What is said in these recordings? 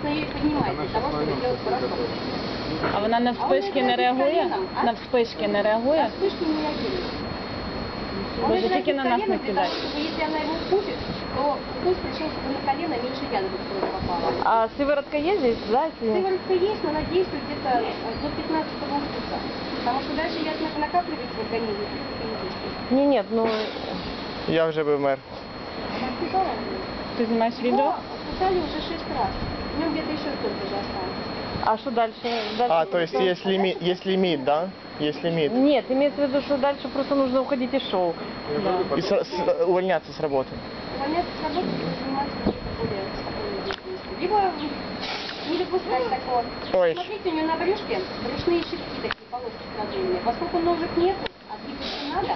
соответственно, ее и поднимает для того, чтобы сделать порошок. А вона на вспишки не реагує? На вспишки не реагує? На вспышки не реагирует. Он Боже, тільки на нас не для того, кидай. чтобы, если она его укусит, то укус причинит на колено, меньше яда в кровь попало. А сиворотка є здесь, да? Сыворотка есть, но она действует где-то до 15-го укуса. Потому что дальше яд накапливается в организме. Ні, ні, ну... Я вже би вмер. Ти знімаєш відео? Его кусали уже 6 раз. В нем где-то еще столько же осталось. А что дальше? А, то есть есть лимит, да? Есть лимит. Нет, имеется в виду, что дальше просто нужно уходить из шоу. Да. И увольняться с работы. Увольняться с работы и заниматься какой-то более спокойной деятельностью. Либо не допускать такого. Ой. Смотрите, у нее на брюшке брюшные щитки такие, полоски продольные. Поскольку ножек нету, а двигаться надо,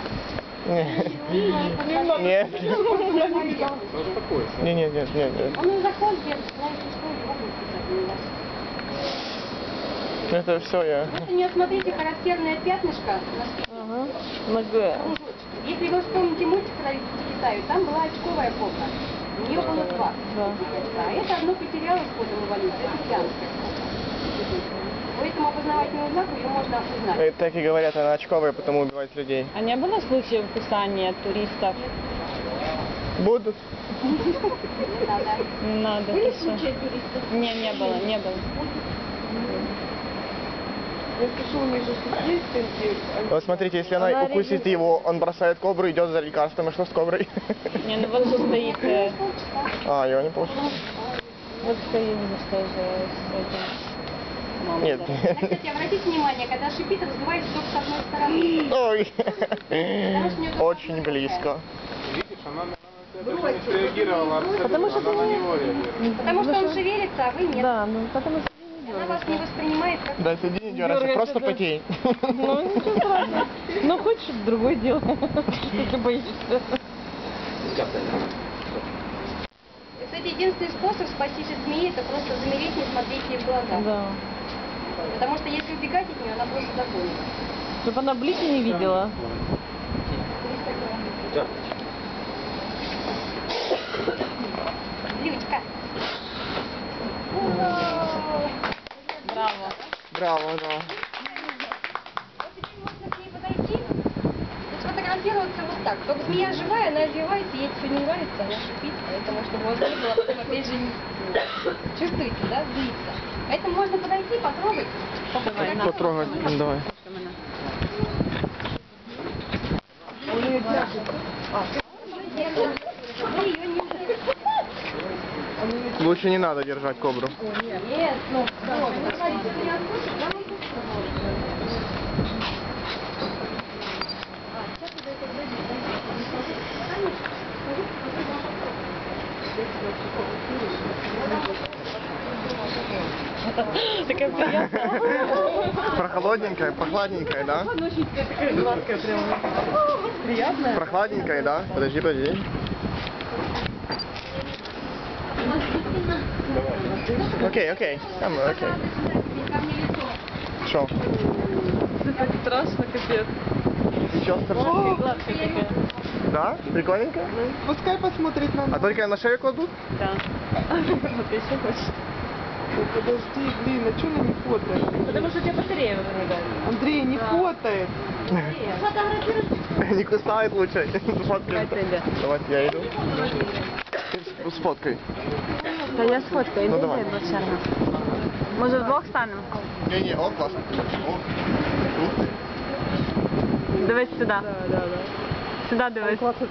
Нет. Нет. он и закон держит, знаете, что его будет писать на вас. Это все я. Вот у нее, смотрите, характерное пятнышко на спине. Кружочек. Если вы вспомните мультик про Китаю, там была очковая кобра. У нее было 2. А это одно потерялось с ходом эволюции, это океанская кобра. По этому опознавательному знаку ее можно узнать. Так и говорят, она очковая, потому убивает людей. А не было случаев кусания туристов? Будут. Не надо. Не надо. Были ты что? случаи туристов? Не было, не было. Я слышу, у них же есть такие... Вот смотрите, если она укусит его, он бросает кобру, идет за лекарством, и что с коброй? Не, ну вот же стоит, А, его не получится. вот стоит, что же с этим. Нет. Кстати, обратите внимание, когда шипит, раздувается только с одной стороны. Ой. Потому что у неё Очень близко. Видишь, она на тебя даже не среагировала абсолютно, Потому что она на него реагирует. Потому что он шевелится, а вы нет. Да, ну потому что Она вас не воспринимает как... Да, сиди, не дергайся, просто потей. ну ничего страшного. Ну хочешь другое дело, если боишься. Кстати, единственный способ спастись от змеи, это просто замереть, не смотреть ей в глаза. Да. Потому что если убегать от нее, она просто догонит. Чтобы она блики не видела. Лючка. Браво. Браво, да. Вот теперь можно к ней подойти и сфотографироваться вот так. Только змея живая, она извивается, ей все не нравится, она шипит. Поэтому, чтобы у вас не было, потом опять же чувствуете, да, злится. Поэтому можно подойти, потрогать. Потрогать, давай. Лучше не надо держать кобру. Нет, ну, Такая приятная. Прохладненькая, прохладненькая, да? Такая гладкая прямо. Приятная. Прохладненькая, да? Подожди. Окей. Там, окей. Что? Это так страшно, капец. Сейчас страшно. Гладкая такая. Да? Прикольненько? Пускай посмотрит на А нас. только на шею кладут? Да. Вот ты еще хочешь. Ой, подожди, блин, а что она не фотает? Потому что у тебя батарея вырубает. Андрей, не фотает. Не кусает лучше. Сфоткай. тебя. Давайте я иду. Сфоткай. Та я сфоткаю, Ну, іди давай. за Блокшерна. Може вдвох станемо? Не, о, классно. О, тут. Дивись сюди. Да. Сюди дивись. Классно